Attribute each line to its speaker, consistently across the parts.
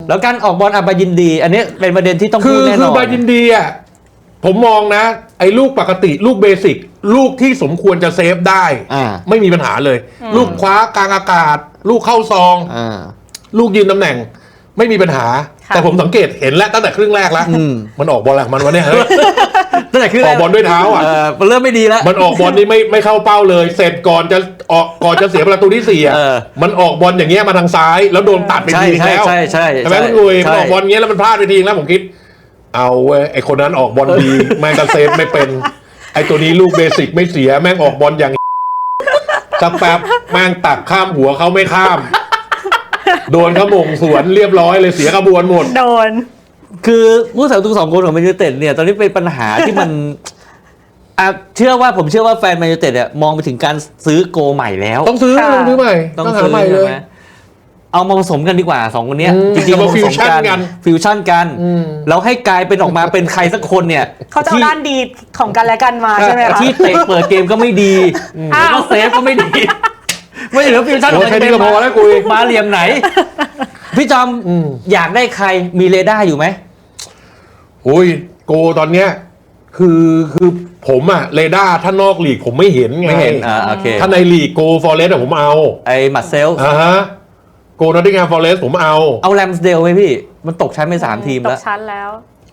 Speaker 1: แล้วการออกบอลบายินดี อันนี้เป็นประเด็นที่ต้องพูดแน่นอน
Speaker 2: คือบายินดีอ่ะผมมองนะไอ้ลูกปกติลูกเบสิกลูกที่สมควรจะเซฟได้ไม่มีปัญหาเลย ลูกคว้ากลางอากาศ ลูกเข้าซองลูกยืนตำแหน่งไม่มีปัญหาแต่ผมสังเกตเห็นแล้วตั้งแต่ครึ่งแรกแล้วมันออกบอลอะไรมันวะเนี่ยเฮ้ย
Speaker 1: ตั้งแต่ครึ่งแรก
Speaker 2: ออกบอลด้วยเท้าอ่ะ
Speaker 1: มันเริ่มไม่ดีแล้ว
Speaker 2: มันออกบอลนี่ไม่เข้าเป้าเลยเสร็จก่อนจะเสียประตูที่4มันออกบอลอย่างเงี้ยมาทางซ้ายแล้วโดนตัดไปทีแล้ว
Speaker 1: ใช่
Speaker 2: ไหมคุณลุยมันออกบอลเงี้ยแล้วมันพลาดไปทีแล้วผมคิดเอาเว้ยไอคนนั้นออกบอลดีแม่งก็เซฟไม่เป็นไอตัวนี้ลูกเบสิกไม่เสียแม่งออกบอลอย่างสักแป๊บแม่งตักข้ามหัวเขาไม่ข้ามโดนเขาหม่งสวนเรียบร้อยเลยเสียกระบวนหมด
Speaker 3: โดน
Speaker 1: คือผู้สาประตู2 คนของแมนยูไนเต็ดเนี่ยตอนนี้เป็นปัญหาที่มันผมเชื่อว่าแฟนแมนยูไนเต็ดเนี่ยมองไปถึงการซื้อโกใหม่แล้ว
Speaker 2: ต้องซื้อใหม่ต้องหาใหม่เลย
Speaker 1: เอามาผสมกันดีกว่า2 คนนี้จริงๆมาฟิวชั่นกันแล้วให้กลายเป็นออกมาเป็นใครสักคนเนี่ย
Speaker 3: เขาจะเอาด้านดีของกันและกันมาใช่ไหมคะ
Speaker 1: ที่เตะเปิดเกมก็ไม่ดีแล้วเซฟก็ไม่ดีไม่เหลือฟิวชั่น
Speaker 2: แค่นี้ก็พอแล้วกู
Speaker 1: มาเหลี่ยมไหนพี่จอมอยากได้ใครมีเรดาร์อยู่ไหม
Speaker 2: โอ้ยโกตอนเนี้ยคือผมอะเรดาร์ถ้านอกลีกผมไม่เห็นไง
Speaker 1: ไม่เห็นโอเค
Speaker 2: ถ้าในลีกโกฟอเรสต์ผมเอา
Speaker 1: ไอ้มัดเซล
Speaker 2: โกนอตติงแฮมฟอเรสต์ผมเอา
Speaker 1: แรมสเดลไหมพี่มันตกชั้นไป3 ทีมแล้ว
Speaker 3: ตกชั้นแล้ว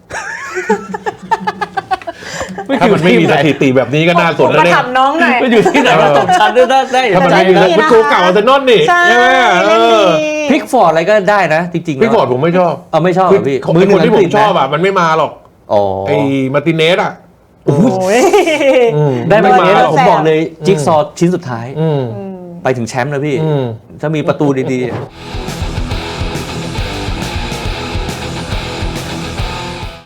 Speaker 2: ถ้ามันไม่มีสถิติแบบนี้ก็น่าสนแล้วเนี่ย
Speaker 3: มาถามน้องหน่อย
Speaker 1: มันอยู่ที่ไหนว่าตกชั้นได้
Speaker 2: ถ้ามันไม่มีมันโกเก่าอาร์เซนอลนี่ใช่ไหม
Speaker 1: พิกฟอร์ดอะไรก็ได้นะจริงๆ
Speaker 2: พิกฟอร์ดผมไม่ชอบ
Speaker 1: ไม่ชอบพี่
Speaker 2: คนที่ผมชอบมันไม่มาหรอกไอ้มาติเนส
Speaker 1: ได้มาเนี้ยผมบอกเลยจิ๊กซอว์ชิ้นสุดท้ายไปถึงแชมป์แล้วพี่ถ้ามีประตูดีๆ